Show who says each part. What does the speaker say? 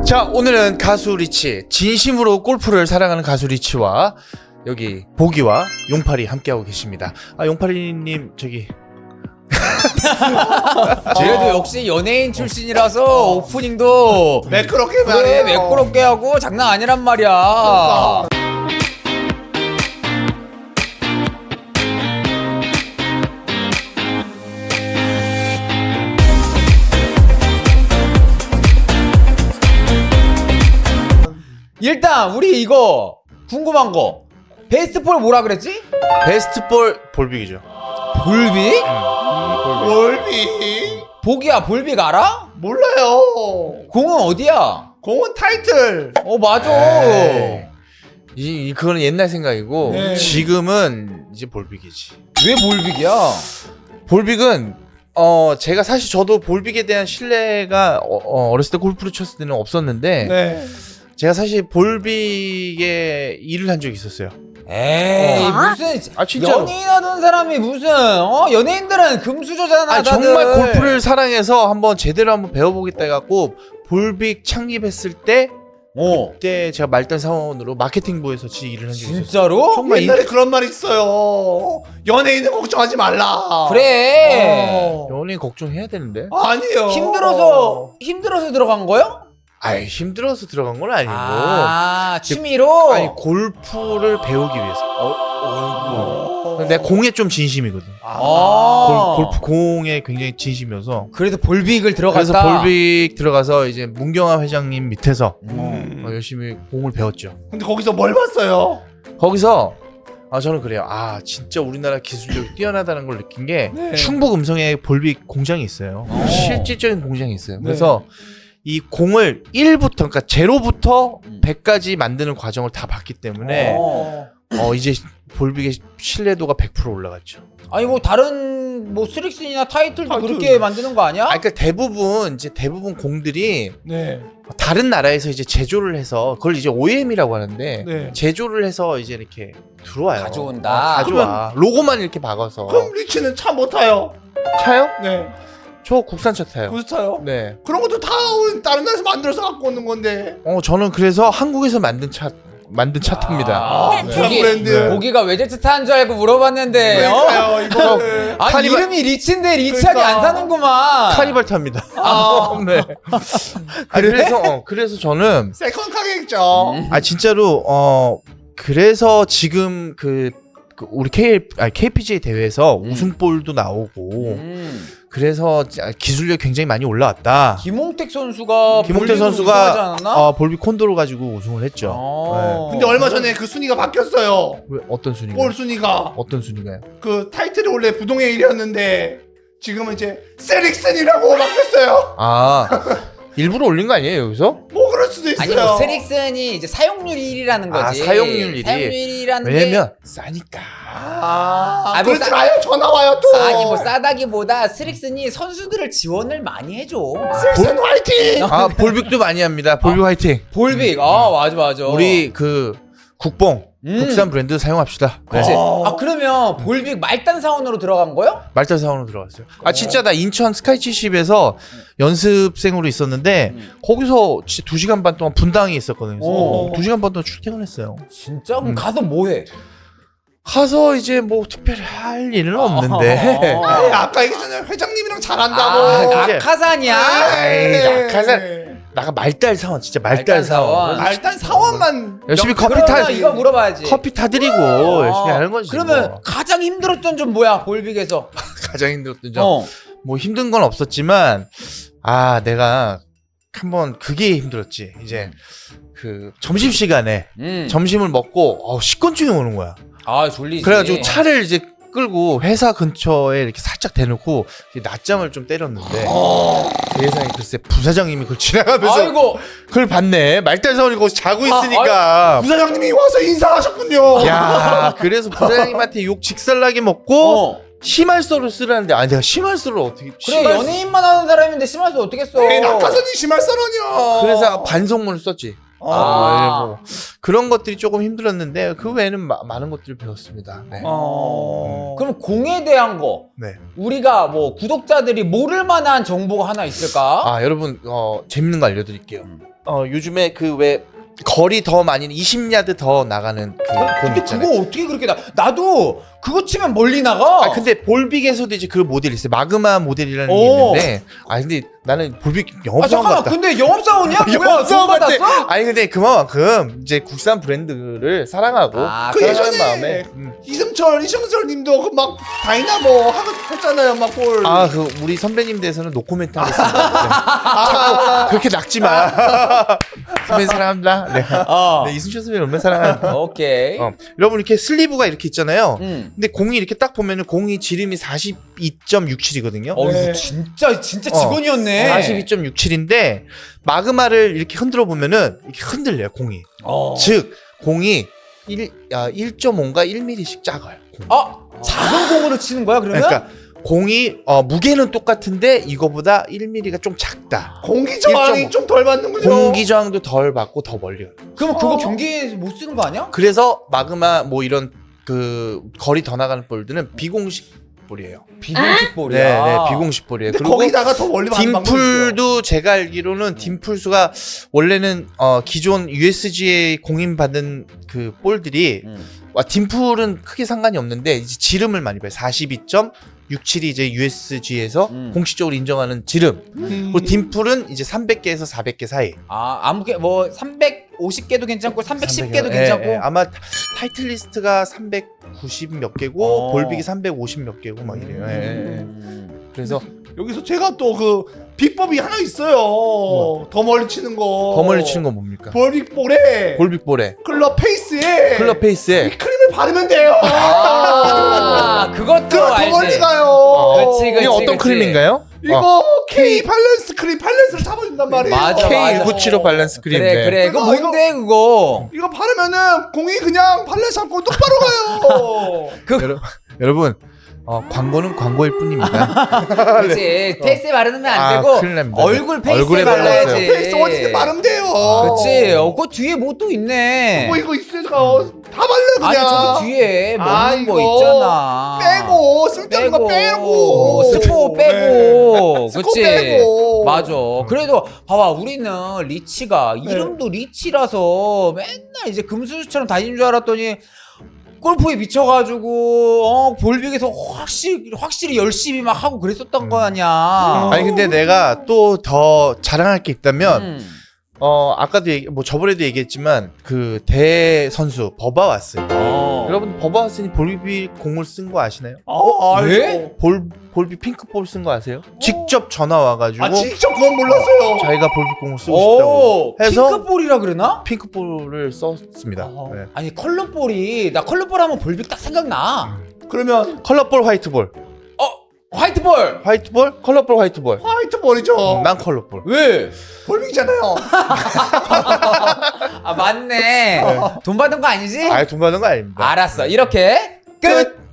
Speaker 1: 자, 오늘은 가수 리치, 진심으로 골프를 사랑하는 가수 리치와 여기 보기와 용팔이 함께하고 계십니다. 아, 용팔이님 저기
Speaker 2: 그래도 역시 연예인 출신이라서 오프닝도
Speaker 3: 매끄럽게
Speaker 2: 그래
Speaker 3: 말이에요.
Speaker 2: 매끄럽게 하고 장난 아니란 말이야.
Speaker 3: 그러니까.
Speaker 2: 일단 우리 이거 궁금한 거 베스트 볼 뭐라 그랬지?
Speaker 1: 베스트 볼 볼빅이죠.
Speaker 2: 볼빅?
Speaker 3: 월비
Speaker 2: 보기야 볼빅 알아?
Speaker 3: 몰라요.
Speaker 2: 공은 어디야?
Speaker 3: 공은 타이틀.
Speaker 2: 맞아.
Speaker 1: 에이, 그거는 옛날 생각이고
Speaker 3: 네.
Speaker 1: 지금은 이제 볼빅이지.
Speaker 2: 왜 볼빅이야?
Speaker 1: 볼빅은 제가 사실 저도 볼빅에 대한 신뢰가 어렸을 때 골프를 쳤을 때는 없었는데
Speaker 3: 네.
Speaker 1: 제가 사실 볼빅에 일을 한 적이 있었어요.
Speaker 2: 에이 무슨
Speaker 1: 아, 진짜로.
Speaker 2: 연예인 하던 사람이 무슨 연예인들은 금수저잖아.
Speaker 1: 아,
Speaker 2: 다들.
Speaker 1: 정말 골프를 사랑해서 한번 제대로 한번 배워보겠다 해갖고 볼빅 창립했을 때 그때 제가 말단 사원으로 마케팅부에서 일을 한 적이 있었어요.
Speaker 2: 진짜로?
Speaker 1: 정말
Speaker 3: 옛날에 그런 말 있어요. 연예인은 걱정하지 말라.
Speaker 2: 그래.
Speaker 1: 연예인 걱정해야 되는데.
Speaker 3: 아니요.
Speaker 2: 힘들어서 들어간 거요?
Speaker 1: 아이, 힘들어서 들어간 건 아니고
Speaker 2: 취미로?
Speaker 1: 아니 골프를 배우기 위해서. 내가 공에 좀 진심이거든. 골프 공에 굉장히 진심이어서
Speaker 2: 그래서 볼빅을 들어갔다.
Speaker 1: 그래서 볼빅 들어가서 이제 문경아 회장님 밑에서 열심히 공을 배웠죠.
Speaker 3: 근데 거기서 뭘 봤어요?
Speaker 1: 거기서 저는 그래요. 진짜 우리나라 기술력이 뛰어나다는 걸 느낀 게
Speaker 3: 네.
Speaker 1: 충북 음성에 볼빅 공장이 있어요. 실질적인 공장이 있어요.
Speaker 3: 네.
Speaker 1: 그래서 이 공을 1부터 그러니까 0부터 100까지 만드는 과정을 다 봤기 때문에 이제 볼빅의 신뢰도가 100% 올라갔죠.
Speaker 2: 아니 뭐 다른 뭐 스릭슨이나 타이틀도
Speaker 3: 타이틀.
Speaker 2: 그렇게 만드는 거 아니야?
Speaker 1: 그러니까 대부분 공들이
Speaker 3: 네.
Speaker 1: 다른 나라에서 이제 제조를 해서 그걸 이제 OEM이라고 하는데
Speaker 3: 네.
Speaker 1: 제조를 해서 이제 이렇게 들어와요.
Speaker 2: 가져온다.
Speaker 1: 가져와. 로고만 이렇게 박아서.
Speaker 3: 그럼 리치는 차 못 타요.
Speaker 1: 차요?
Speaker 3: 네.
Speaker 1: 저 국산차 타요.
Speaker 3: 구스 타요.
Speaker 1: 네.
Speaker 3: 그런 것도 다 다른 나라에서 만들어서 갖고 오는 건데.
Speaker 1: 저는 그래서 한국에서 만든 차 탑니다.
Speaker 3: 국산
Speaker 1: 네.
Speaker 3: 브랜드.
Speaker 2: 보기가 외제차 타는 줄 알고 물어봤는데
Speaker 3: 그러니까요. 이거는.
Speaker 2: 아니
Speaker 1: 카니발-
Speaker 2: 이름이 리치인데 리치하게
Speaker 3: 그러니까.
Speaker 2: 안 사는구만.
Speaker 1: 카니발 탑니다. 네. 그래서 저는
Speaker 3: 세컨 카겠죠.
Speaker 1: 진짜로 그래서 지금 그 우리 KPGA 대회에서 우승볼도 나오고 그래서 기술력 굉장히 많이 올라왔다.
Speaker 2: 김홍택 선수가
Speaker 1: 김홍태
Speaker 2: 볼빅으로 우승하지 않았나?
Speaker 1: 선수가 볼빅 콘도로 가지고 우승을 했죠.
Speaker 3: 근데 얼마 전에 그 순위가 바뀌었어요.
Speaker 1: 왜, 어떤 순위가?
Speaker 3: 볼 순위가.
Speaker 1: 어떤 순위가요?
Speaker 3: 그 타이틀이 원래 부동의 1위였는데 지금은 이제 세릭슨이라고 바뀌었어요.
Speaker 1: 일부러 올린 거 아니에요 여기서?
Speaker 3: 뭐 그럴 수도 있어요.
Speaker 2: 아니 뭐 스릭슨이 이제 사용률 1위라는 거지.
Speaker 1: 사용률 1위.
Speaker 2: 사용률 1위라는
Speaker 1: 왜냐면 싸니까.
Speaker 2: 뭐
Speaker 3: 그러지 마요. 전화 와요 또.
Speaker 2: 아니 뭐 싸다기보다 스릭슨이 선수들을 지원을 많이 해줘.
Speaker 3: 세릭슨 화이팅.
Speaker 1: 볼빅도 많이 합니다. 볼빅 화이팅.
Speaker 2: 볼빅. 맞아.
Speaker 1: 우리 그 국뽕 국산 브랜드 사용합시다.
Speaker 2: 그렇지.
Speaker 1: 네.
Speaker 2: 그러면 볼빅 말단 사원으로 들어간 거요?
Speaker 1: 말단 사원으로 들어갔어요. 진짜 나 인천 스카이 70에서 연습생으로 있었는데 거기서 진짜 2시간 반 동안 분당에 있었거든요.
Speaker 3: 오.
Speaker 1: 2시간 반 동안 출퇴근했어요.
Speaker 2: 진짜? 그럼 가서 뭐 해?
Speaker 1: 가서 이제 뭐 특별히 할 일은 없는데.
Speaker 3: 에이, 아까 얘기했잖아요. 회장님이랑 잘한다고.
Speaker 2: 낙하산이야?
Speaker 1: 에이, 낙하산. 나가 말달 사원 진짜 말달 사원.
Speaker 3: 일단 사원만
Speaker 1: 열심히
Speaker 2: 그러면 이거 물어봐야지.
Speaker 1: 커피 타드리고 열심히 하는 거지.
Speaker 2: 그러면
Speaker 1: 뭐.
Speaker 2: 가장 힘들었던 점 뭐야? 볼빅에서.
Speaker 1: 가장 힘들었던 점. 뭐 힘든 건 없었지만 내가 한번 그게 힘들었지. 이제 그 점심 시간에 점심을 먹고 식곤증이 오는 거야.
Speaker 2: 졸리지.
Speaker 1: 그래가지고 차를 이제 끌고 회사 근처에 이렇게 살짝 대놓고 낮잠을 좀 때렸는데 세상에 글쎄 부사장님이 그걸 지나가면서
Speaker 2: 아이고.
Speaker 1: 그걸 봤네. 말달사원이 거기서 자고 있으니까.
Speaker 3: 부사장님이 와서 인사하셨군요.
Speaker 1: 야, 그래서 부사장님한테 욕 직살나게 먹고 심할서를 쓰라는데 내가 심할서를 어떻게
Speaker 2: 그래 연예인만 하는 사람인데 심할서 어떻게 써?
Speaker 3: 에이, 낙하산이 심할서라뇨.
Speaker 1: 그래서 반성문을 썼지. 뭐 그런 것들이 조금 힘들었는데 그 외에는 많은 것들을 배웠습니다. 네.
Speaker 2: 그럼 공에 대한 거
Speaker 1: 네.
Speaker 2: 우리가 뭐 구독자들이 모를 만한 정보가 하나 있을까?
Speaker 1: 아 여러분 재밌는 거 알려드릴게요. 요즘에 그 왜 거리 더 많이 20야드 더 나가는 그 공
Speaker 2: 근데
Speaker 1: 있잖아요.
Speaker 2: 그거 어떻게 그렇게 나도 그거 치면 멀리 나가.
Speaker 1: 아 근데 볼빅에서도 이제 그 모델이 있어요. 마그마 모델이라는 게
Speaker 2: 오.
Speaker 1: 있는데 아 근데 나는 볼빅
Speaker 2: 아
Speaker 1: 영업사원
Speaker 2: 잠깐만
Speaker 1: 같다.
Speaker 2: 근데 영업사원이야? 뭐야? 돈
Speaker 1: 영업사원 같아.
Speaker 2: 받았어?
Speaker 1: 아니 근데 그만큼 이제 국산 브랜드를 사랑하고
Speaker 2: 아,
Speaker 3: 그
Speaker 1: 사랑하는
Speaker 3: 예전에
Speaker 1: 마음에
Speaker 3: 이승철님도 그 막 다이나모 했잖아요, 막 골.
Speaker 1: 아 그 우리 선배님 대해서는 노코멘트 하겠습니다. 네. 자꾸 그렇게 낙지 마. 선배님 사랑합니다. 네. 네, 이순철 선배님 얼마나 사랑하는데.
Speaker 2: 오케이.
Speaker 1: 여러분 이렇게 슬리브가 이렇게 있잖아요.
Speaker 2: 음.
Speaker 1: 근데 공이 이렇게 딱 보면은 공이 지름이 42.67이거든요.
Speaker 2: 이거 진짜 직원이었네.
Speaker 1: 42.67인데 마그마를 이렇게 흔들어 보면은 이렇게 흔들려요 공이. 즉 공이 1.5인가 1mm씩 작아요. 공이.
Speaker 2: 작은 공으로 치는 거야 그러면?
Speaker 1: 그러니까 공이 무게는 똑같은데 이거보다 1mm가 좀 작다.
Speaker 3: 공기 저항이
Speaker 1: 1.5.
Speaker 3: 좀 덜 받는군요.
Speaker 1: 공기 저항도 덜 받고 더 멀리 가요.
Speaker 2: 그럼 그거 경기에서 못 쓰는 거 아니야?
Speaker 1: 그래서 마그마 뭐 이런 그 거리 더 나가는 볼들은 비공식 볼이에요.
Speaker 2: 비공식 볼이야.
Speaker 1: 네, 비공식 볼이에요.
Speaker 3: 근데
Speaker 1: 그리고
Speaker 3: 거기다가 더 멀리 받는 방법이 있어요.
Speaker 1: 딤풀도 제가 알기로는 딤풀 수가 원래는 기존 USG에 공인받은 그 볼들이 딤풀은 크게 상관이 없는데 이제 지름을 많이 봐요. 42.67이 이제 USG에서 공식적으로 인정하는 지름. 그리고 딤풀은 이제 300개에서 400개 사이.
Speaker 2: 아무게 뭐 350개도 괜찮고 310개도 괜찮고.
Speaker 1: 아마 타이틀 리스트가 390 몇 개고 볼빅이 350 몇 개고 막 이래요. 그래서
Speaker 3: 여기서 제가 또 그 비법이 하나 있어요. 더 멀리 치는 거.
Speaker 1: 더 멀리 치는 건 뭡니까?
Speaker 3: 볼빅볼에
Speaker 1: 볼빅볼에
Speaker 3: 클럽 페이스에
Speaker 1: 클럽 페이스에
Speaker 3: 크림을 바르면 돼요.
Speaker 2: 그것도
Speaker 3: 그럼 더
Speaker 2: 알지.
Speaker 3: 멀리 가요.
Speaker 2: 그치,
Speaker 1: 이게 어떤 크림인가요?
Speaker 3: 이거 K 밸런스 크림 밸런스를 잡아준단 말이에요.
Speaker 2: 맞아, 맞아.
Speaker 1: K197 밸런스 크림.
Speaker 2: 그래. 그거 뭔데 그거?
Speaker 3: 이거 바르면은 공이 그냥 밸런스 잡고 똑바로 가요.
Speaker 1: 여러분 광고는 광고일 뿐입니다.
Speaker 2: 그렇지. 페이스에 바르면 안 되고
Speaker 1: 큰일 납니다.
Speaker 2: 얼굴 페이스에
Speaker 1: 얼굴에
Speaker 2: 발라야지.
Speaker 1: 발라야지.
Speaker 3: 페이스 어디든 바르면 돼요.
Speaker 2: 그렇지. 그 뒤에 뭐 또 있네.
Speaker 3: 뭐 이거 있으니까 다 발라
Speaker 2: 아니
Speaker 3: 그냥.
Speaker 2: 저기 뒤에 먹는 거
Speaker 3: 이거
Speaker 2: 있잖아.
Speaker 3: 빼고 쓸데없는 거 빼고
Speaker 2: 스포 빼고.
Speaker 3: 스포
Speaker 2: 그치.
Speaker 3: 빼고.
Speaker 2: 맞아. 그래도 봐봐 우리는 리치가 이름도 리치라서 맨날 이제 금수저처럼 다니는 줄 알았더니 골프에 미쳐가지고 볼빅에서 확실히 열심히 막 하고 그랬었던 거 아니야.
Speaker 1: 아니 근데 내가 또 더 자랑할 게 있다면 아까도 뭐 저번에도 얘기했지만 그 대 선수 버바와스. 여러분 버바와스니 볼빅 공을 쓴 거 아시나요?
Speaker 2: 왜?
Speaker 1: 볼빅 핑크볼 쓴 거 아세요? 직접 전화 와가지고
Speaker 3: 직접 그건 몰랐어요.
Speaker 1: 자기가 볼빅 공을 쓰고 싶다고 해서
Speaker 2: 핑크볼이라 그러나?
Speaker 1: 핑크볼을 썼습니다. 네.
Speaker 2: 아니 컬러볼이 나 컬러볼 하면 볼빅 딱 생각나.
Speaker 3: 그러면
Speaker 1: 컬러볼 화이트볼.
Speaker 2: 화이트볼.
Speaker 1: 화이트볼? 컬러볼 화이트볼.
Speaker 3: 화이트볼이죠.
Speaker 1: 난 컬러볼.
Speaker 2: 왜?
Speaker 3: 볼빅이잖아요.
Speaker 2: 맞네. 돈 받은 거 아니지?
Speaker 1: 아예 돈 받는 거 아닙니다.
Speaker 2: 알았어. 이렇게 끝.